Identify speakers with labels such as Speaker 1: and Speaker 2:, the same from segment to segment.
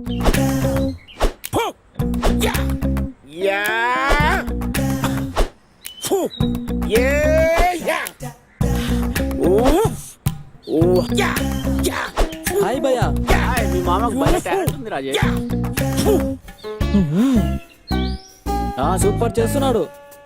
Speaker 1: Hi భయ్యా.
Speaker 2: మీ మామకు భలే టాలెంట్ ఉంది రాజేష్.
Speaker 1: సూపర్ చేస్తున్నాడు.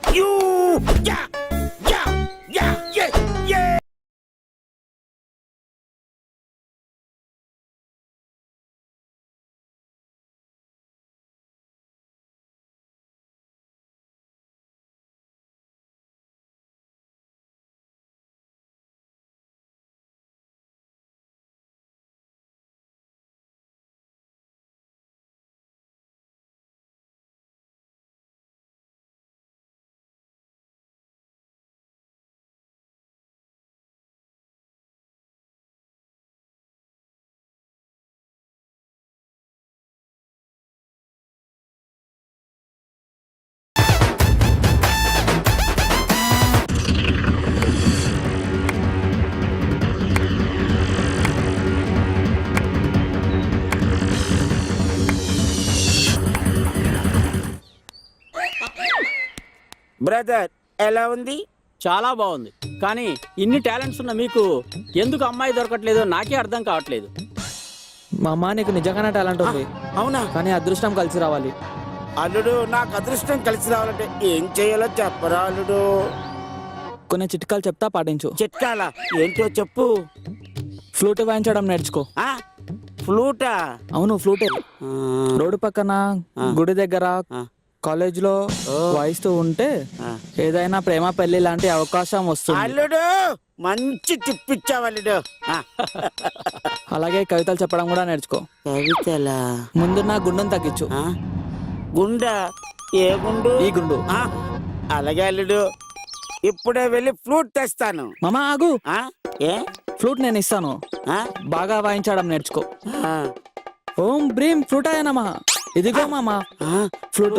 Speaker 3: బ్రదర్ ఎలా ఉంది?
Speaker 2: చాలా బాగుంది. కానీ ఇన్ని టాలెంట్స్ ఉన్న మీకు ఎందుకు అమ్మాయి దొరకట్లేదో నాకే అర్థం కావట్లేదు.
Speaker 1: మా అమ్మ నీకు నిజంగానే టాలెంట్ ఉంది.
Speaker 3: అవునా?
Speaker 1: కానీ అదృష్టం కలిసి రావాలి.
Speaker 3: అల్లుడు నాకు అదృష్టం కలిసి రావాలంటే ఏం చేయాలో చెప్పరా అల్లుడు?
Speaker 1: కొన్ని చిట్కాలు చెప్తా, పాటించు.
Speaker 3: చిట్కాలా? ఏంటో చెప్పు.
Speaker 1: ఫ్లూట్ వాయించడం నేర్చుకో.
Speaker 3: ఫ్లూటా?
Speaker 1: అవును, ఫ్లూటే. రోడ్డు పక్కన, గుడి దగ్గర, కాలేజ్ లో వాయిస్తూ ఉంటే ఏదైనా ప్రేమ పెళ్లి లాంటి అవకాశం వస్తుంది.
Speaker 3: అల్లుడు మంచి టిప్పిచ్చావు అల్లుడు.
Speaker 1: అలాగే కవితలు చెప్పడం కూడా నేర్చుకో.
Speaker 3: కవితలా?
Speaker 1: ముందు నా గుండెను తగ్గించు.
Speaker 3: గుండా? ఏ గుండు?
Speaker 1: ఈ గుండు.
Speaker 3: అలాగే అల్లుడు, ఇప్పుడే వెళ్ళి ఫ్లూట్ తెస్తాను.
Speaker 1: మామా ఆగు.
Speaker 3: ఏ?
Speaker 1: ఫ్లూట్ నేను ఇస్తాను, బాగా వాయించడం నేర్చుకో. ఓం బ్రీం ఫ్లూటాయ నమః. ఇదిగో మామా ఫ్లూట్.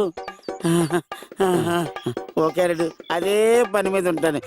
Speaker 3: ఓకే అల్లుడు, అదే పని మీద ఉంటాను.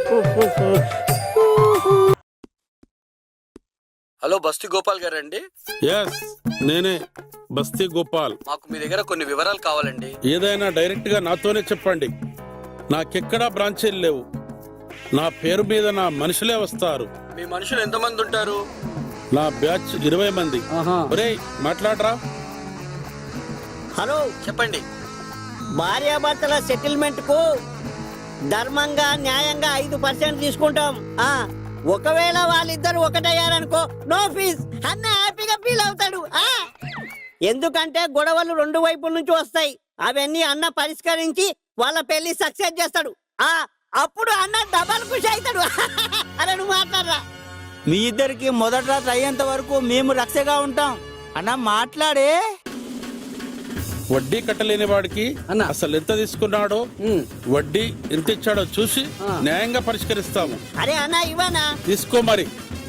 Speaker 4: హలో, బస్తీ గోపాల్ గారండి?
Speaker 5: ఎస్, నేనే బస్తీ గోపాల్.
Speaker 4: మాకు మీ దగ్గర కొన్ని వివరాలు కావాలండి.
Speaker 5: ఏదైనా డైరెక్ట్ గా నాతోనే చెప్పండి. నాకెక్కడా బ్రాంచీలు లేవు. నా పేరు మీద నా మనుషులే వస్తారు.
Speaker 4: మీ మనుషులు ఎంతమంది ఉంటారు?
Speaker 5: నా బ్యాచ్ 20 మంది. ఒరేయ్ మాట్లాడరా.
Speaker 3: హలో,
Speaker 4: చెప్పండి.
Speaker 3: భార్యాభర్తల సెటిల్మెంట్ కు ధర్మంగా న్యాయంగా 5% తీసుకుంటాం. ఒకవేళ వాళ్ళిద్దరు ఒకటయ్యారనుకో, నో ఫీజ్. అన్న హ్యాపీగా ఫీల్ అవుతాడు. ఎందుకంటే గొడవలు 2 వైపుల నుంచి వస్తాయి. అవన్నీ అన్న పరిష్కరించి వాళ్ళ పెళ్లి సక్సెస్ చేస్తాడు. అప్పుడు అన్న డబల్ ఖుషి అవుతాడు. అరే నువ్వు మాట్లాడరా.
Speaker 2: మీ ఇద్దరికి మొదటి రాత్రి అయ్యేంత వరకు మేము రక్షగా ఉంటాం. అన్న మాట్లాడే.
Speaker 5: వడ్డీ కట్టలేని వాడికి అసలు ఎంత తీసుకున్నాడో, వడ్డీ ఎంత ఇచ్చాడో చూసి న్యాయంగా పరిష్కరిస్తాము.
Speaker 3: అరే అన్న ఇవ్వనా?
Speaker 5: తీసుకో మరి.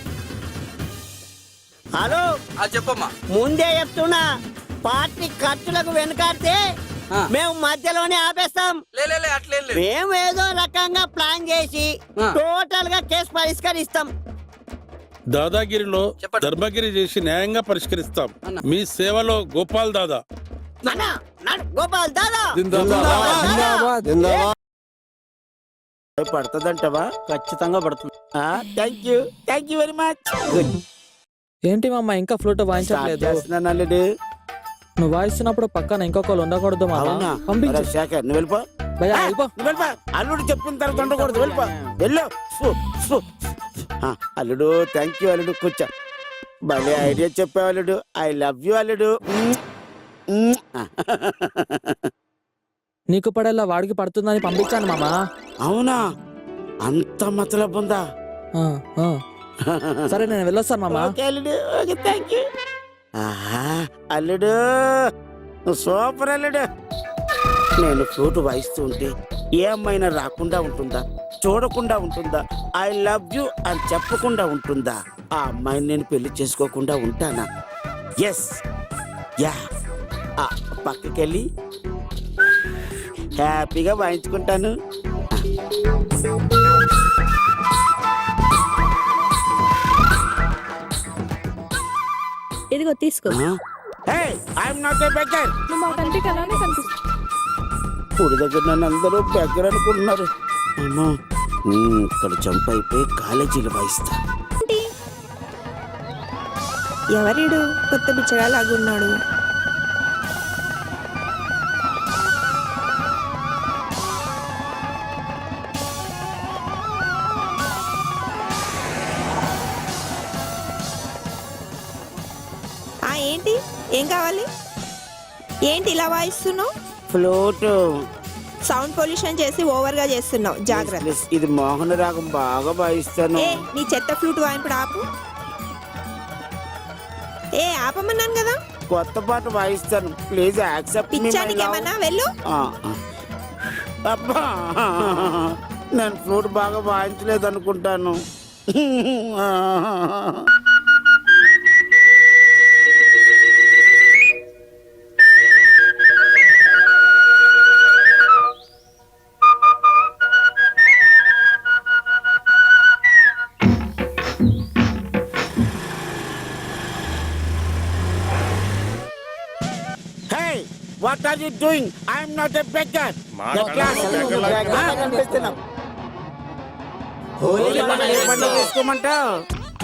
Speaker 3: హలో,
Speaker 4: చెప్పమ్మా.
Speaker 3: ముందే చెప్తున్నా, పార్టీ ఖర్చులకు వెనకాడితే మేము మధ్యలోనే ఆపేస్తాం. మేము ఏదో రకంగా ప్లాన్ చేసి టోటల్ గా కేసు పరిష్కరిస్తాం.
Speaker 5: దాదాగిరిలో ధర్మగిరి చేసి న్యాయంగా పరిష్కరిస్తాం. మీ సేవలో గోపాల్ దాదా.
Speaker 3: గోపాల్ దాదా పడుతుందంటవా?
Speaker 2: ఖచ్చితంగా పడుతుంది.
Speaker 3: Thank you very much.
Speaker 1: ఏంటి మామ ఇంకా ఫ్లూట్ వాయించట్లేదు? నువ్వు వాయిస్తున్నప్పుడు పక్కన ఇంకొకరు ఉండకూడదు మామా. పంపించు.
Speaker 3: శేఖర్ నువ్వు వెళ్ళిపో. అల్లుడు చెప్పిన తర్వాత ఉండకూడదు. వెళ్ళిపో, వెళ్ళు. అల్లుడు థ్యాంక్ యూ అల్లుడు. కూర్చో. భలే ఐడియా చెప్పావు అల్లుడు. ఐ లవ్ యూ అల్లుడు.
Speaker 1: నీకు పడేలా వాడికి పడుతుందని పంపించాను మామా.
Speaker 3: అవునా? అంత మతలబ్ ఉందా?
Speaker 1: సరే నేను వెళ్ళొస్తాను మామా.
Speaker 3: అల్లుడు సూపర్ అల్లుడు. నేను ఫ్లూట్ వాయిస్తూ ఉంటే ఏ అమ్మాయినా రాకుండా ఉంటుందా, చూడకుండా ఉంటుందా, ఐ లవ్ యూ అని చెప్పకుండా ఉంటుందా? ఆ అమ్మాయిని నేను పెళ్లి చేసుకోకుండా ఉంటానా? Yes, yeah. పక్కకెళ్ళి హ్యాపీగా వాయించుకుంటాను.
Speaker 6: ఇదిగో తీసుకో. I'm not a beggar.
Speaker 7: నువ్వు మా కంటికి అలానే కనిపిస్తుంది.
Speaker 6: ఊరి దగ్గర నన్ను అందరూ బెగ్గర్ అనుకుంటున్నారు. అమ్మా ఇక్కడ జంప్ అయిపోయి కాలేజీలు వాయిస్తా.
Speaker 7: ఎవరీడు కొత్త బిచ్చగా లాగున్నాడు? ఏంటి, ఏం కావాలి? ఏంటి ఇలా వాయిస్తున్నావు?
Speaker 6: ఫ్లూట్.
Speaker 7: సౌండ్ పొల్యూషన్ చేసి ఓవర్ గా చేస్తున్నావు, జాగ్రత్త.
Speaker 6: ఇది మోహన రాగం, బాగా వాయిస్తాను.
Speaker 7: ఏ నీ చెత్త ఫ్లూట్ వాయింపుడు ఆపు. ఏ ఆపమన్నాను కదా.
Speaker 6: కొత్త పాట వాయిస్తాను, ప్లీజ్ యాక్సెప్ట్ మీ.
Speaker 7: పిచ్చానికి ఏమన్నా వెళ్ళు.
Speaker 6: అబ్బా, నేను ఫ్లూట్ బాగా వాయించలేదు అనుకుంటాను. What are you doing? I am not a beggar. తీసుకోమంటావు?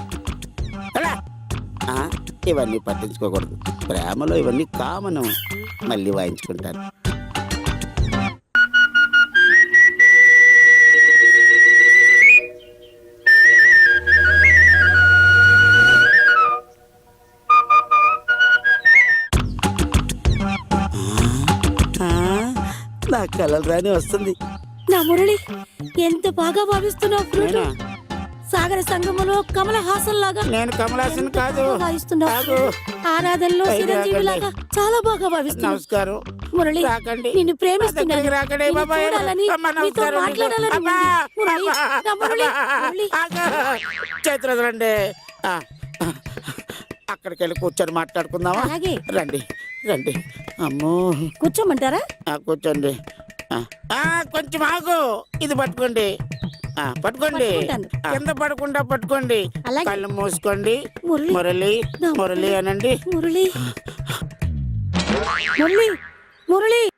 Speaker 6: ఇవన్నీ పట్టించుకోకూడదు, ప్రేమలో ఇవన్నీ కామను. మళ్ళీ వాయించుకుంటాను. నా కలలు రాని వస్తుంది.
Speaker 8: నా మురళి, ఎంత బాగా భావిస్తున్నావు ఫ్లూట్.
Speaker 6: నేనా?
Speaker 8: సాగర సంగమంలో కమల హాసన్ లాగా
Speaker 6: నేను కమలాసన్ కాదు.
Speaker 8: భావిస్తున్నావు. ఆరాధనలో చిరంజీవి లాగా చాలా బాగా భావిస్తున్నావు.
Speaker 6: నమస్కారం.
Speaker 8: మురళి,
Speaker 6: రాకండి.
Speaker 8: నిన్ను ప్రేమిస్తున్నాను.
Speaker 6: దగ్గరికి రాకండి.
Speaker 8: నిన్ను
Speaker 6: బాబాయ్.
Speaker 8: చూడాలని,
Speaker 6: అమ్మా,
Speaker 8: నీతో
Speaker 6: నమస్కారం.
Speaker 8: మాట్లాడాలని ఉంది.
Speaker 6: అమ్మా.
Speaker 8: మురళి, నా మురళి, మురళి.
Speaker 6: చేతులు వదలండి. అక్కడికి వెళ్ళి కూర్చొని మాట్లాడుకుందామా?
Speaker 8: అలాగే.
Speaker 6: రండి రండి. అమ్మో,
Speaker 8: కూర్చోమంటారా?
Speaker 6: కూర్చోండి. కొంచెం ఆగు, ఇది పట్టుకోండి. పట్టుకోండి,
Speaker 8: పట్టుకుంటాను.
Speaker 6: కింద పడకుండా పట్టుకోండి.
Speaker 8: అలాగే.
Speaker 6: కళ్ళు మూసుకోండి.
Speaker 8: మురళి.
Speaker 6: మురళి
Speaker 8: నా
Speaker 6: మురళి అనండి.
Speaker 8: మురళి, మురళి, మురళి.